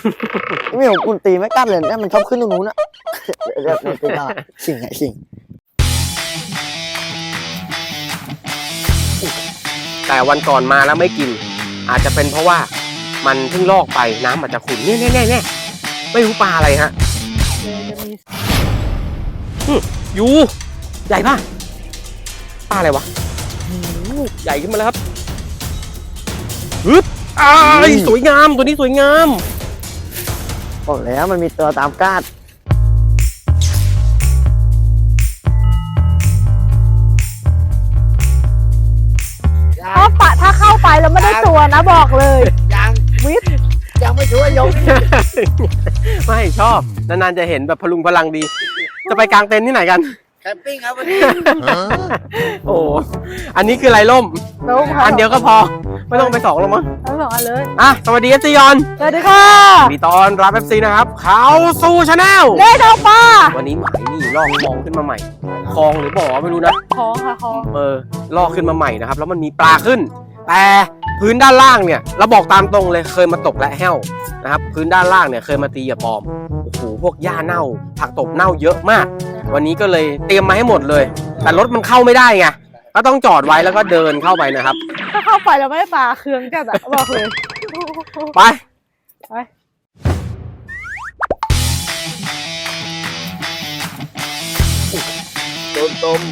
ไม่ผมคุณตีไม่กล้าเลยเนี่ยมันชอบขึ้นตรงนู้นอะเรียกในตีตาชิงไงชิงแต่วันก่อนมาแล้วไม่กินอาจจะเป็นเพราะว่ามันเพิ่งลอกไปน้ำอาจจะขุ่นเนี่ยไม่รู้ปลาอะไรฮะยูใหญ่ป่ะปลาอะไรวะใหญ่ขึ้นมาแล้วครับฮึบสวยงามตัวนี้สวยงามบอกแล้วมันมีตัวตามกาดถ้าเข้าไปแล้วไม่ได้ตัวนะบอกเลยวิทยังไม่ช่วยยกไม่ชอบนานๆจะเห็นแบบพลุงพลังดีจะไปกางเต็นท์ที่ไหนกันแคมปิ้งครับวันนี้โอ้อันนี้คือไรล่มอันเดียวก็พอไม่ต้องไป2หรอกมั้งทั้ง2อันเลยสวัสดีซียอนสวัสดีค่ะมีตอนรับFCนะครับเขาสู่ชาแนลเล่ดอกปลาวันนี้หมายนี่ลอกคลองขึ้นมาใหม่คลองหรือบ่อไม่รู้นะคลองค่ะคลองลอกขึ้นมาใหม่นะครับแล้วมันมีปลาขึ้นแต่พื้นด้านล่างเนี่ยเราบอกตามตรงเลยเคยมาตกและแห้วนะครับพื้นด้านล่างเนี่ยเคยมาตีเหยื่อปลอมโอ้โหพวกหญ้าเน่าผักตบเน่าเยอะมากวันนี้ก็เลยเตรียมมาให้หมดเลยแต่รถมันเข้าไม่ได้ไงก็ต้องจอดไว้แล้วก็เดินเข้าไปนะครับถ้าเข้าไปแล้วไม่ได้ปลาเครื่องจัดอะบอกเลยไปต้ม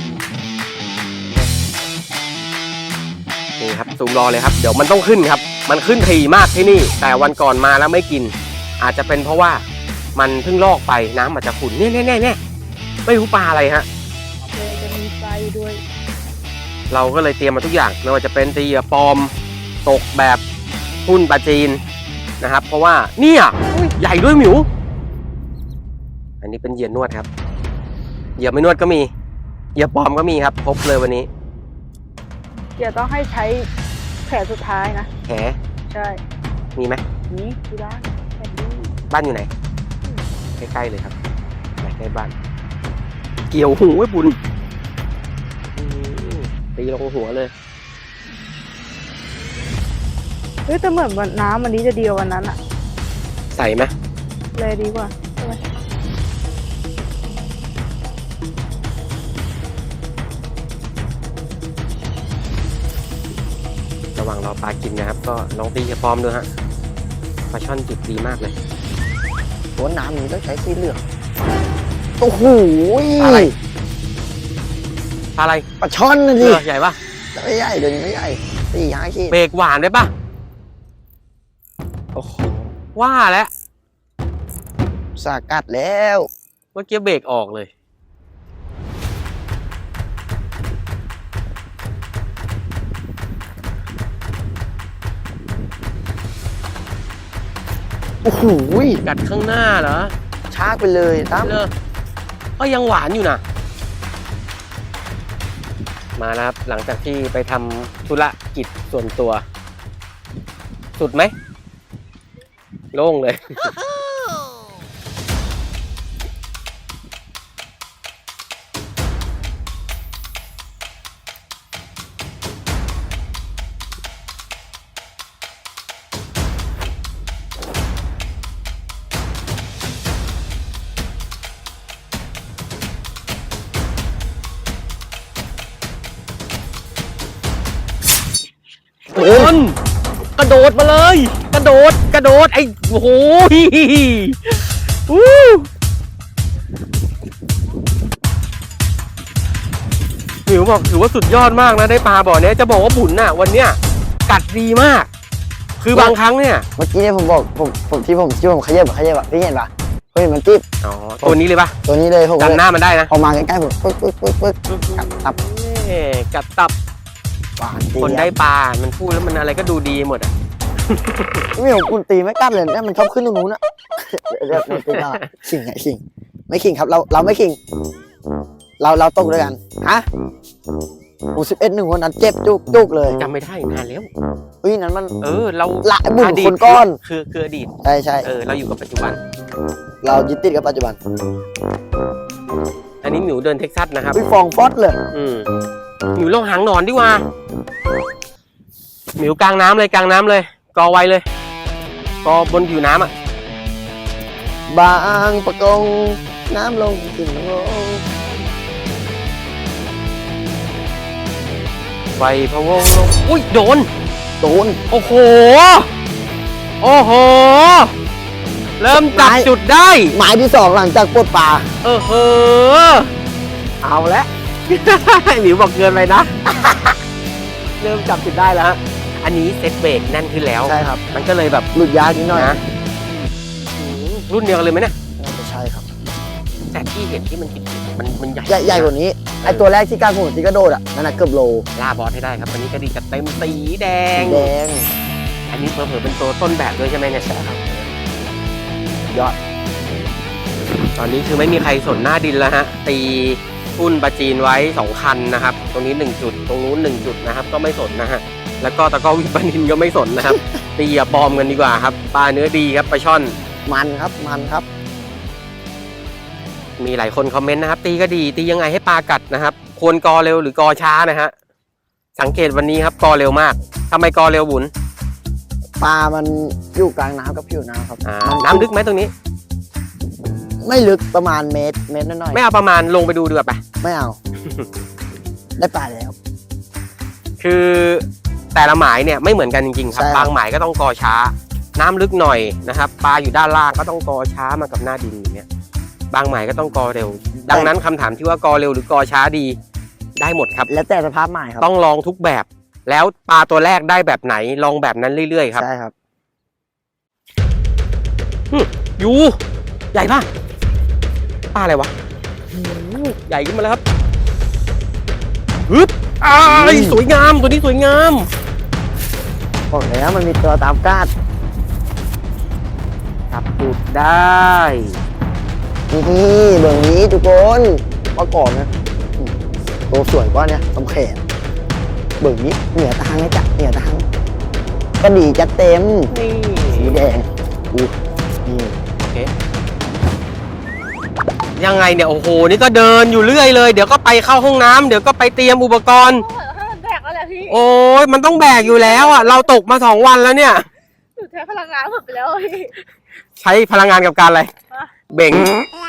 นี่ครับซูมรอเลยครับเดี๋ยวมันต้องขึ้นครับมันขึ้นถี่มากที่นี่แต่วันก่อนมาแล้วไม่กินอาจจะเป็นเพราะว่ามันเพิ่งลอกไปน้ำอาจจะขุ่นเนี่ยไม่รู้ปลาอะไรฮะจะมีไฟด้วยเราก็เลยเตรียมมาทุกอย่างไม่ว่าจะเป็นตีเหยื่อปลอมตกแบบทุ่นปลาจีนนะครับเพราะว่าเนี่ยใหญ่ด้วยหมิวอันนี้เป็นเหยื่อนวดครับเหยื่อไม่นวดก็มีเหยื่อปลอมก็มีครับครบเลยวันนี้เดี๋ยวต้องให้ใช้แผลสุดท้ายนะแผลใช่มีไหมนี่ที่บ้านบ้านอยู่ไหนใกล้ๆเลยครับใกล้บ้านเกี่ยวหูไว้บุญตีลงหัวเลยแต่เหมือนน้ำวันนี้จะดีกว่าวันนั้นอะใส่ไหมเลยดีกว่าใช่ไหมระหว่างรอปลากินนะครับก็ลองตีเหยื่อปลอมดูฮะปลาช่อนจิบดีมากเลยตัวน้ำนี้ต้องใช้สีเหลืองโอ้โหอะไรปลาช่อนนะดิใหญ่ปะไม่ใหญ่เดี๋ยวนี้ไม่ใหญ่4-5 ขีดเบรกหวานได้ปะโอ้โหว่าแล้วสกัดแล้วเมื่อกี้เบรกออกเลยโอ้โหกัดข้างหน้าเหรอชากไปเลยตั้มก็ยังหวานอยู่นะมาแล้วครับหลังจากที่ไปทำธุรกิจส่วนตัวสุดไหมโล่งเลยคนกระโดดมาเลยกระโดดไอ้โอ้โหหมิวบอกถือว่าสุดยอดมากนะได้ปลาบ่อนี้จะบอกว่าบุญน่ะวันเนี้ยกัดดีมากคือบางครั้งเนี่ยเมื่อกี้เนี่ยผมบอกผมที่ผมขยับพี่เห็นปะเฮ้ยมันจิ๊บตัวนี้เลยปะตัวนี้เลยผมจำหน้ามันได้นะพอมาใกล้ๆผมปึ๊กกัดตับคนได้ปลามันพูดแล้วมันอะไรก็ดูดีหมดอ่ะไม่ผมคุณตีไม่กล้าเลยเนี่ยมันชอบขึ้นตรงนู้นอะเรียกในตีตาชิงไงชิงไม่ขิงครับเราไม่ขิงเราตกด้วยกันฮะ11-1วันนั้นเจ็บจุกเลยจำไม่ได้นานแล้วนั้นมันเราละบุญคนก้อนคืออดีตใช่เราอยู่กับปัจจุบันเรายึดติดกับปัจจุบันอันนี้หมิวเดินเท็กซัสนะครับฟองฟอสเลยหมิวลงหางหนอนดีกว่าหมิวกลางน้ำเลยกอไว้เลยกอบนผิวน้ำอ่ะบางประกงน้ำลงขึ้นลงไฟพะวงลงอุ้ยโดนโดนโอ้โห โอ้โห เริ่มจับจุดได้หมายที่ 2 หลังจากปลดปลาเอาละ หมิวบอกเกินไปนะ เริ่มจับจุดได้แล้วฮะ อันนี้เซ็ตเบรกแน่นขึ้นแล้วใช่ครับมันก็เลยแบบหลุดยากนิดหน่อยนะรุ่นเดียวกันเลยไหมเนี่ยใช่ครับแต่ที่เห็นที่มันติดมันใหญ่ใหญ่กว่านี้ไอตัวแรกที่กล้าโหดที่กระโดดอ่ะนั่นน่ะเกือบโลล่าบอสให้ได้ครับวันนี้ก็ดีจะเต็มสีแดงแดงอันนี้เผลอๆเป็นตัวต้นแบบด้วยใช่ไหมเนี่ยใช่ครับยอดตอนนี้คือไม่มีใครสนหน้าดินแล้วฮะ ตีทุ่นปลาจีนไว้ 2 คันนะครับ ตรงนี้ 1 จุด ตรงนู้น 1 จุดนะครับ ก็ไม่สนนะฮะ แล้วก็ตะกร้อวิปนินก็ไม่สนนะครับ ตีอย่าบอมกันดีกว่าครับ ปลาเนื้อดีครับปลาช่อนมันครับมันครับมีหลายคนคอมเมนต์นะครับ ตีก็ดี ตียังไงให้ปลากัดนะครับ ควรกอเร็วหรือกอช้านะฮะ สังเกตวันนี้ครับกอเร็วมากทำไมกอเร็วบุญปลามันอยู่กลางน้ำกับผิวน้ำครับน้ำลึกไหมตรงนี้ไม่ลึกประมาณเมตรน้อยไม่เอาประมาณลงไปดูดีกว่าไปๆไม่เอา ได้ปลาแล้วคือแต่ละหมายเนี่ยไม่เหมือนกันจริงๆครับใช่ครับบางหมายก็ต้องกอช้า น้ำลึกหน่อยนะครับ ปลาอยู่ด้านล่างก็ต้องกอช้ามากับหน้าดินอย่างเงี้ย บางหมายก็ต้องกอเร็ว ดังนั้นคำถามที่ว่ากอเร็วหรือกอช้าดี ได้หมดครับแล้วแต่สภาพหมายครับต้องลองทุกแบบ แล้วปลาตัวแรกได้แบบไหนลองแบบนั้นเรื่อยๆครับใช่ครับยูใหญ่ป่ะปลาอะไรวะใหญ่ขึ้นมาแล้วครับฮึบสวยงามตัวนี้สวยงามบอกแล้วมันมีตัวตามกาดจับจุดได้นี่เบื้องนี้ทุกคนมาก่อนนะตัวสวยกว่าเนี่ยสำแขนเบื้องนี้เหนือตางนะจ๊ะเหนือตางก็ดีจะเต็มนี่สีแดงนี่โอเคยังไงเนี่ยโอ้โหนี่ก็เดินอยู่เรื่อยเลยเดี๋ยวก็ไปเข้าห้องน้ำเดี๋ยวก็ไปเตรียมอุปกรณ์ให้มันแบกแล้วแหละพี่โอ้ยมันต้องแบกอยู่แล้วอ่ะเราตกมา2 วันแล้วเนี่ยหนูใช้พลังงานหมดไปแล้วพี่ใช้พลังงานกับการอะไรฮะเบ่ง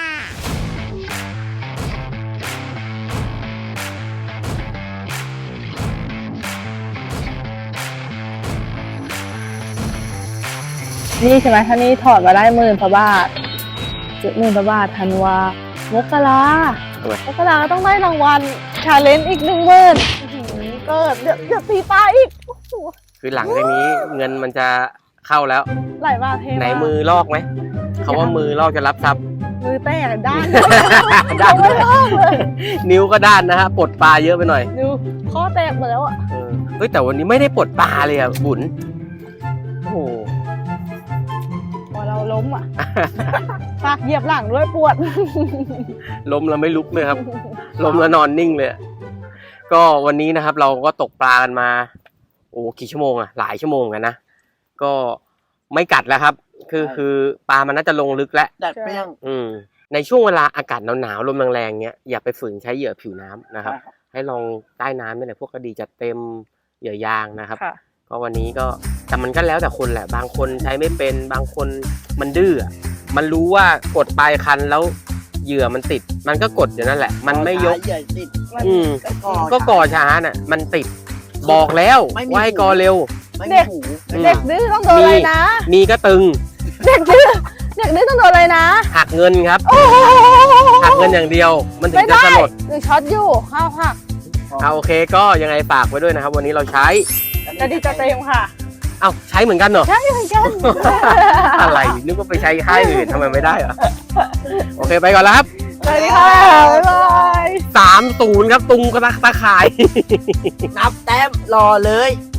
นี่ใช่ไหมถ้านี่ถอดมาได้10,000 กว่าบาท10,000 กว่าบาทธันวามกราทำไมมกราก็ต้องได้รางวัลชาเลนจ์อีก10,000เกิดเดี๋ยวตีปลาอีกโอ้โหคือหลังจากนี้เงินมันจะเข้าแล้วหลายบาทเทไหนมือลอกไหมเขาว่ามือลอกจะรับทรัพย์มือแตกด้านด้านไม่ลอกเลยนิ้วก็ด้านนะฮะปลดปลาเยอะไปหน่อยดูข้อแตกหมดแล้วอ่ะเฮ้ยแต่วันนี้ไม่ได้ปลดปลาเลยอ่ะบุญโอ้โหพอเราล้มอ่ะ ปากเหยียบหลังด้วยปวดล้มแล้วไม่ลุกเลยครับ ล้มแล้วนอนนิ่งเลยอะก็วันนี้นะครับ เราก็ตกปลากันมา โอ้กี่ชั่วโมงอะหลายชั่วโมงกันนะก็ไม่กัดแล้วครับ คือปลามันน่าจะลงลึกแล้วดัดเปรี้ยงในช่วงเวลาอากาศหนาวๆลมแรงๆเนี้ยอย่าไปฝืนใช้เหยื่อผิวน้ำนะครับ ให้ลองใต้น้ำนี่แหละพวกกระดีจัดเต็มเหยื่อยางนะครับค่ะก็วันนี้ก็แต่มันก็แล้วแต่คนแหละบางคนใช้ไม่เป็นบางคนมันดื้ออะมันรู้ว่ากดปลายคันแล้วเหยื่อมันติด มันก็กดอยู่นั่นแหละ มันไม่ยกใหญ่ติดก็ก่อช้าน่ะมันติดบอกแล้วไม่มีว่าให้กอเร็วไม่มีหูเด็กดื้อต้องโดนอะไรนะมีก็ตึงเด็กดื้อต้องโดนอะไรนะหักเงินครับโอ้โหหักเงินอย่างเดียว มันถึไม่งจะได้สลดหนึ่งช็อตอยู่ข้าวผักเอาโอเคก็ยังไงฝากไว้ด้วยนะครับ วันนี้เราใช้จะดีจะเต็มค่ะเอ้าใช้เหมือนกันเหรอใช่เหมือนกันอะไรนึกว่าไปใช้ค่ายอื่นทำไมไม่ได้เหรอโอเคไปก่อนแล้วครับสวัสดีค่ะ บ๊ายบาย 3-0ครับตุงกระตะข่ายนับแต้มรอเลย